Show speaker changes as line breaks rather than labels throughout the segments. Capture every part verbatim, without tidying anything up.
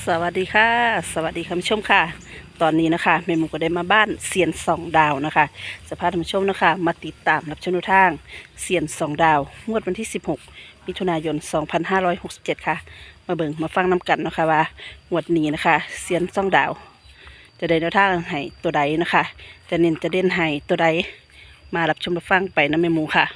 สวัสดีค่ะสวัสดีคุณผู้ชมค่ะตอนนี้นะคะแม่หมูก็ได้มาบ้านเซียนสองดาวนะคะสภาพท่านผู้ชมนะคะมาติดตามรับชมแนวทางเซียนสองดาวงวดวันที่สิบหกมิถุนายนสองพันห้าร้อยหกสิบเจ็ดค่ะมาเบิ่งมาฟังน้กันนะคะว่างวดนี้นะคะเซียนสองดาวจะได้แนวทางให้ตัวใดนะคะจะเน้นจะเด่นให้ตัวใดมารับชมรับฟังไปนะแม่หมูค่ะ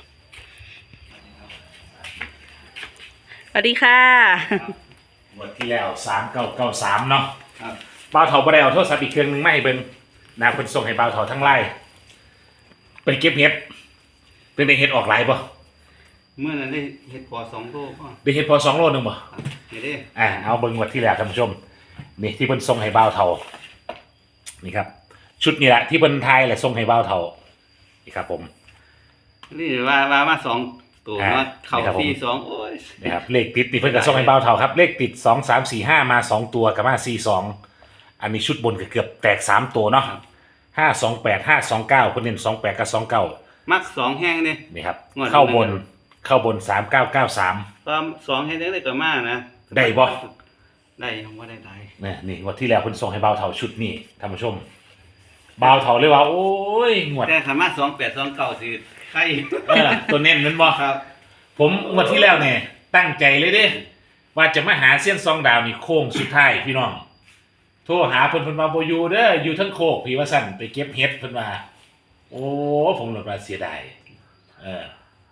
สวัสดีค่ะ
งวดที่แล้วสามเก้าเก้าสามเนาะ
ครับ
บ่าวเถาบ่ได้เอาโทรศัพท์อีกเครื่องหนึงไม่เบิ่งนะเพิ่นส่งให้บ่าวเถาทั้งไลน์เป็นเก็บเห็ดเป็นได้เห็ดออกหลายบ่
เมื่อนั้นได้เห็ดพอสองโลก็
ได้เห็ดพอสองโลนึงบ่
ครับเห็ดได้
อ่าเอาเบิ่งงวดที่แล้วท่านผู้ชมนี่ที่เพิ่นส่งให้บ่าวเถานี่ครับชุดนี้แหละที่เพิ่นทายแหละส่งให้บ่าวเถานี่ครับผม
นี่ว่าว่ามาสองตัว
อ่า
มาเข่า
นี่ครับผม
สี่สองโอ้ย
นี่ครับเลขติดนี่เพิ่นก็ส่งให้บ่าวเถาครับเลขติดสอง สาม สี่ ห้ามาสองตัวกับมาสี่ สองอันนี้ชุดบนก็เกือบแตกสามตัวเนาะ
ครับ
ห้า สอง แปด ห้า สอง เก้าเพิ่นเน้นสอง แปดกับสอง เก้า
มักสองแห้งเนี่ย
นี่ครับ
งวด
เข้าบน
นั้น
เข้าบนสามเก้าเก้าสาม
ก็สองแห้งได้ตัวมากนะ
ได้บ่
ได้ยังว่าได้ได้
นี่นี่งวดที่แล้วเพิ่นส่งให้เบาเท่าชุดนี้ท่านผู้ชมเบาเท่าเลยว่าโอ้ยงวด
แต่สามารถสองแปดสองเก้าสิใคร
เออตัวเน้นนั้นบ่
ครับ
ผมงวดที่แล้วเนี่ยตั้งใจเลยเด้ว่าจะมาหาเส้นซองดาวนี่โค้งสุดท้ายพี่น้องโทรหาเพิ่นเพิ่นว่าบ่อยู่เด้ออยู่ทั้งโคกพี่ว่าซั่นไปเก็บเห็ดเพิ่นว่าโอ้ผมหลดว่าเสียดายเออ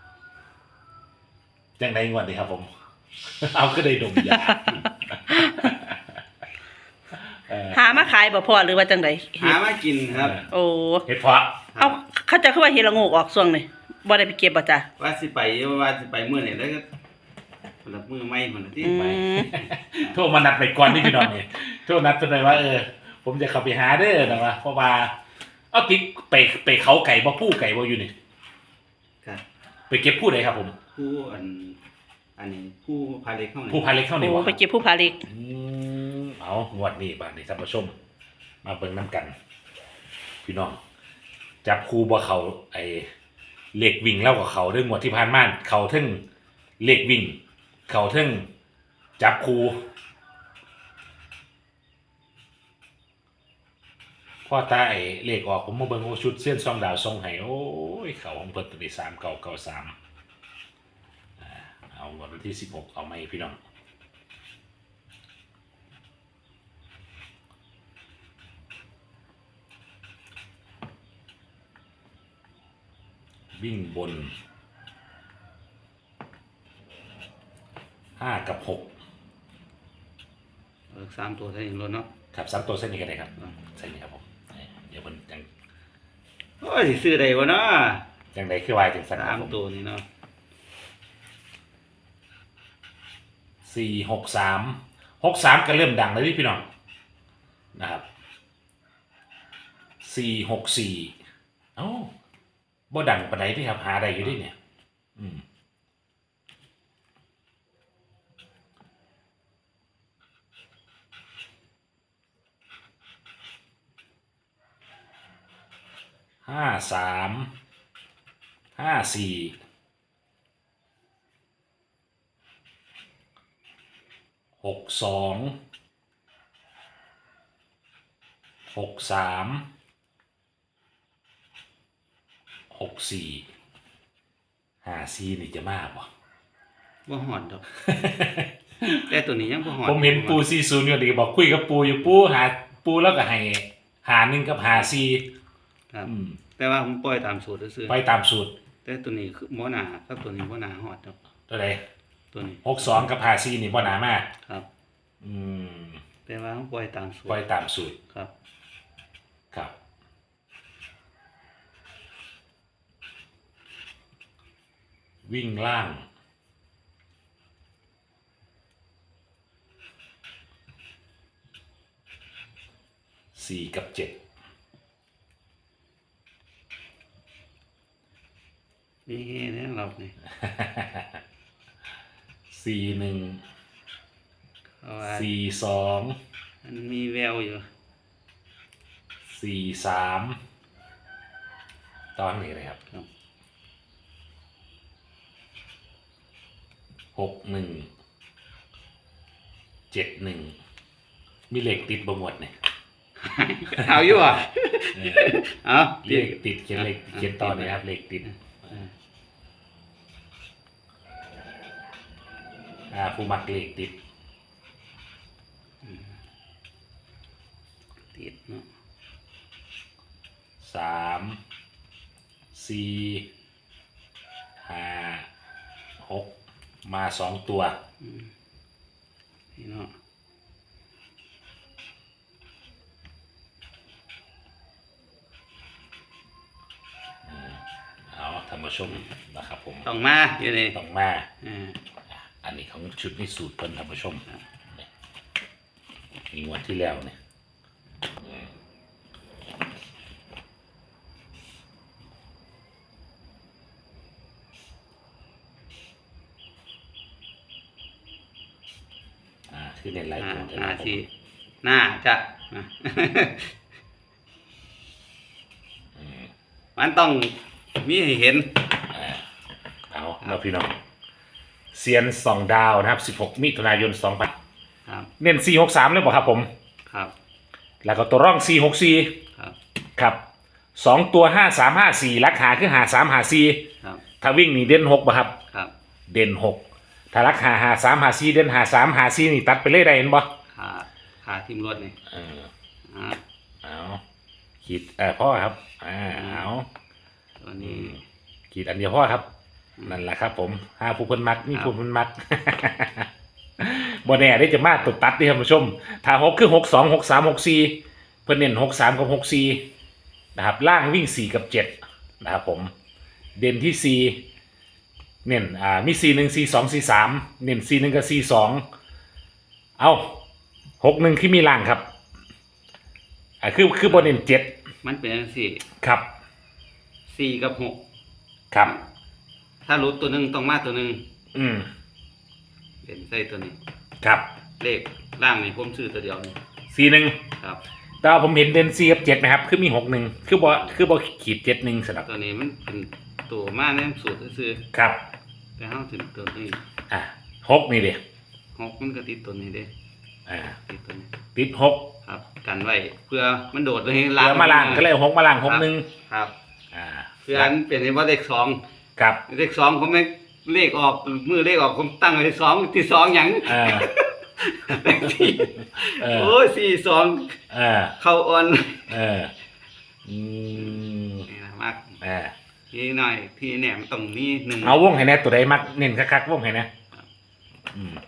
จังได๋งวดนี้ครับผม เอาก็ได้ดมยา เออ
หามาขายบ่พอหรือว่าจังได
หามากินครับ
โอ้
เห็ดเพาะ
เอาเขาจะเข้าว่าเฮดละโงกออกช่วงนี่บ่ได้ไปเก็บบ่จ้ะ
ว่าสิไปว่าสิไปเมื่อไหร่แล้วก็คนละมือไม่คนละที่
อื
ไป
ม
โทรมานัดไปก่อนนี่พี่น้องนี่โทรนัดเพิ่นไว้ว่าเออผมจะเข้าไปหาเด้อนะว่าเพราะว่าเอาติ๊กไปไปเขาไก่บ่ผู้ไก่บ่อยู่นี่
ครับ
ไปเก็บผู้ใดครับผม
ผู้อันอันนี้ผู้พาเล็กเข้าไหน
ผู้พาเล็กเข้านี่
โอ้
บ่
ไปเก็บผู้ผาเล็ก
อืมเอางวดนี้บาดนี้ท่านผู้ชม มาเบิ่งนํกัน พี่น้องจับคู่บ่เขาไอ้เลขวิ่งแล้วกับเขาเรื่องงวดที่ผ่านมาเขาถึงเลขวิ่ง เขาถึงจับคู่พ่อตาไอ้เลขออกผมมาเบิ่งโอ้ชุดเส้นซองดาวทรงให้โอ้ยเขาของเพิ่นตัวที่สามเก้าเก้าสามอ่าเอาวันที่สิบหกเอาไหมพี่น้องวิ่งบนห้ากับหก
เออสามตัวใช่เองรถเนาะ
ครับสามตัวเส้นนี้ก็ได้ครับเส้นนี้ครับผมเดี๋ยวมันจัง
โอ้ยสิซื้อได้วะเนาะ
จังไดคือวายจังสันค
สา
รับ
ม
ผม
ตัวนี้เนาะ
สี่หกสามหกสามก็เริ่มดังแล้วนี่พี่น้องนะครับสี่หกสี่เอ้าบ่ดังปานใดที่ครับหาได้อยู่ดิเนี่ย อืมห้าสามห้าสี่หกสองหกสามหกสี่ห้าสี่นี่จะมากป่ะ
บ่หอดดอก แต่ตัวนี้ยังบ่หอด
ผมเห็นปูซีศูนย์อยู่ดีบอกคุยกับปูอยู่ปูหาปูแล้วก็ให้หาหนึ่งกับหาซี
ครับ
อืม
แต่ว่าผมปล่อยตามสูตรซื่อ
ไปตามสูตร
ๆแต่ตัวนี้คือบ่หนาครับตัวนี้บ่หนาหอดดอก
ตัวใด
ตัวนี้
หกสองกับหาซีนี่บ่หนามาก
ครับ
อืม
แต่ว่าผมปล่อยตามสูตร
ปล่อยตามสูตร
ครับ
ครับ วิ่งล่าง สี่กับเจ็ด
นี่แน่เรานี่
สี่หนึ่ง
เพราะว่า
สี่สอง
มันมีแววอยู่
สี่สามตอนนี้เลยครับ
ครับ
หกหนึ่งเจ็ดหนึ่งมีเหล็กติดบ่หมดเนี่ย
เอาอยู่อ่ะ
เออ
เอา
เลขติดเขียนเลขเขียนต่อเลยครับเลขติดอ่าผู้มักเลขติด
ติดเนาะ
สามสี่ห้าหกมาสองตัว
นี่เนาะ
เอาท่านผู้ชมนะครับผม
ต้องมาอยู่นี่
ต้องมา
อ่า
อันนี้ของชุดนี้สูตรเพิ่นท่านผู้ชมนี่มีงวดที่แล้วเนี่ยอ่าคือเน้นหลาย
หน้า
ตัว
หน้า
ผม
สิหน้าจะอ่ะ
อืม
มันต้องมีให้เห็น
อ่าเอาเราพี่น้องเซียนสองดาวนะครับสิบหกมิถุนายนสองพัน
ครับ
เน้นสี่หกสามเลยบอกครับผม
ครับ
แล้วก็ตัวร่องสี่หกสี่
ครับ
ครับสองตัวห้าสามห้าสี่ลักหาคือหาสามหาสี่
ครับ
ถ้าวิ่งนี่เด่นหกป่ะครับ
ครับ
เด่นหกถ้าลักหาหาสามหาสี่เด่นหาสามหาสี่นี่ตัดไปเลยได้เห็นบ่
ขาขาทิมรถนี่
เออ
อ่า
เอาขีดเออพ่อครับอ่าเอา
ตัวนี้
ขีดอันเดียวพ่อครับนั่นแหละครับผมห้าผู้เพิ่นมักนี่ผู้เพิ่นมัก บ่แน่ได้จะมาตุดตัดเด้ท่านผู้ชม ถ้าหกคือหกสองหกสามหกสี่เพิ่นเน้นหกสามกับหกสี่นะครับล่างวิ่งสี่กับเจ็ดนะครับผม เด่นที่สี่เน้นอ่ามีสี่หนึ่งสี่สองสี่สามเน้นสี่หนึ่งกับสี่สองเอาหกหนึ่งคือมีล่างครับอ่าคือคือบนเน้นเจ็ด
มันเป็นจังซี่
ครับ
สี่กับหก
ครับ
ถ้ารู้ตัวหนึ่งต้องมาตัวหนึ่ง
อืม
เด่นใส่ตัวนี้
ครับ
เลขล่างนี่ผมซื้อตัวเดียวนี่
สี่หนึ่ง
ครับ
แต่ว่าผมเห็นเด่นสี่กับเจ็ดนะครับ คือมีหกหนึ่งคือบอคือบอขีดเจ็ดหนึ่งสำหรับ
ตัวนี้มันเป็นตัวมาในสูตรซื้อ
ครับ
ๆแต่เฮาถึงตัวนี้
อ่าหกนี่เดี
หกมันก็ติดตัวนี้เด้
อ่า
ติดตัวนี้
ติดหก
ครับกันไว้เพื่อมันโดดเลย
เหลือมาล่างก็เลยเอาหกมาล่างหกหนึ่ง
ครับ
อ่า
เพื่ออันเป็นว่าเลขสอง
ครับ
เลขสองผมไม่เลขออกมือเลขออกผมตั้งไว้สองที่สองหยัง
อ่า
เลขที่
เออ
โอ้ยสี่สอง
อ่า
เข้าอ่อน
เอออืม
นี่นะมาก
อ่า
พี่หน่อยพี่เนี่ยมันต้องมีหนึ่ง
เอาวงให้แน่ตัวใดมักเน้นคักๆวงให้แน่อืม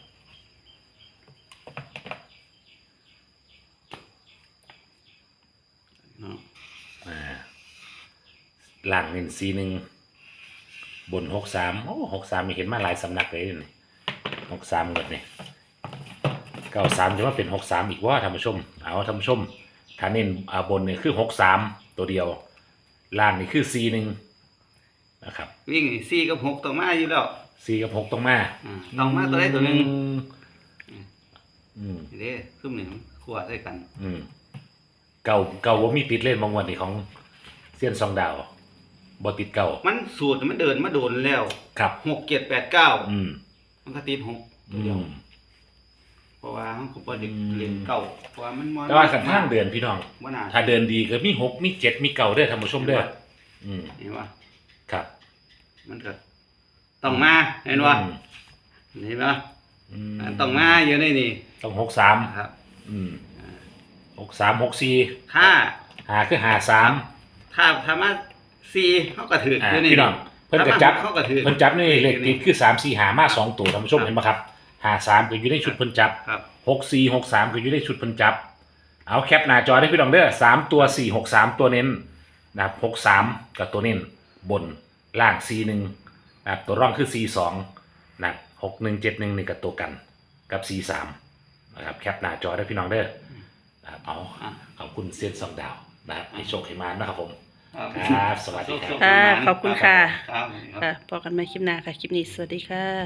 เนาะ
อ่าล่างเน้นสี่หนึ่งบนหกสามโอ้หกสามมีเห็นมาหลายสำนักเลยนี่หกสามหมดนี่เก้าสามจะว่าเป็นหกสามอีกว่าท่านผู้ชม เอาท่านผู้ชมถ้าเน้นอ่าบนเนี่ยคือหกสามตัวเดียว ล่างนี่คือสี่หนึ่งนะครับ
วิ่งนี่สี่กับหกต้องมาอยู่แล้ว
สี่กับหกต้องมา
อ่าต้องมาตัวใดตัวหนึ่ง
อืมอืม
นี่เด้ซุ่มหนึ่งขวดใส่กัน
อืมเก่าเก่าว่ามีติดเล่นบางวันนี่ของเซียนซองดาวบอติดเก่า
มันสูตรมันเดินมาโดนแล้ว
ครับ
หกเจ็ดแปดเก้า
อืม
มันก็ติดหกตั
อื
วเดียว
ม
เพราะว่าเขาก็บ่ได้
อืม
เรียนเก่าเพราะว่ามันมอน
แต่ว่าสันทางเดินพี่น้อง
ว่าน่า
ถ้าเดินดีก็มีหกมีเจ็ดมีเก่าเด้อท่านผู้ชมเด้ออืม
เห็นว่า
ครับ
มันก็ต้องมาเห็นว่า
อืม
เห็นว่า
อืม
ต้องมาอยู่ในนี่
ต้องหกสาม
ครับ
อืมหกสามหกสี่
ถ้า
หาคือหาสาม
ถ้าถ้ามาสี่เขาก็ถือ
อ่า
อยู่ใน
พี่น้องเพิ่นก็จับ
เขาก็ถือ
เพิ่นจับนี่เลขติดคือสามสี่หามาสองตัวท่านผู้ชมเห็นปะครับหาสามก็อยู่ในชุดเพิ่นจับ
ครับ
หกสี่หกสามก็อยู่ในชุดเพิ่นจับ เอาแคปหน้าจอได้พี่น้องเด้อสามตัวสี่หกสามตัวเน้นนะครับหกสามกับตัวเน้นบนล่างสี่หนึ่งนะครับตัวร่องคือสี่สองนะครับหกหนึ่งเจ็ดหนึ่งนี่กับตัวกันกับสี่สามนะครับแคปหน้าจอได้พี่น้องเด้อนะครับเอา
อ่ะ
ขอบคุณเซียนสองดาวนะครับให้โชคให้มานะครับผม
ครับ
ครับสวัสดีครับ
ค่ะขอบคุณค่ะ
ครับ
ค่ะพบกันใหม่คลิปหน้าค่ะ คลิปนี้สวัสดีค่ะ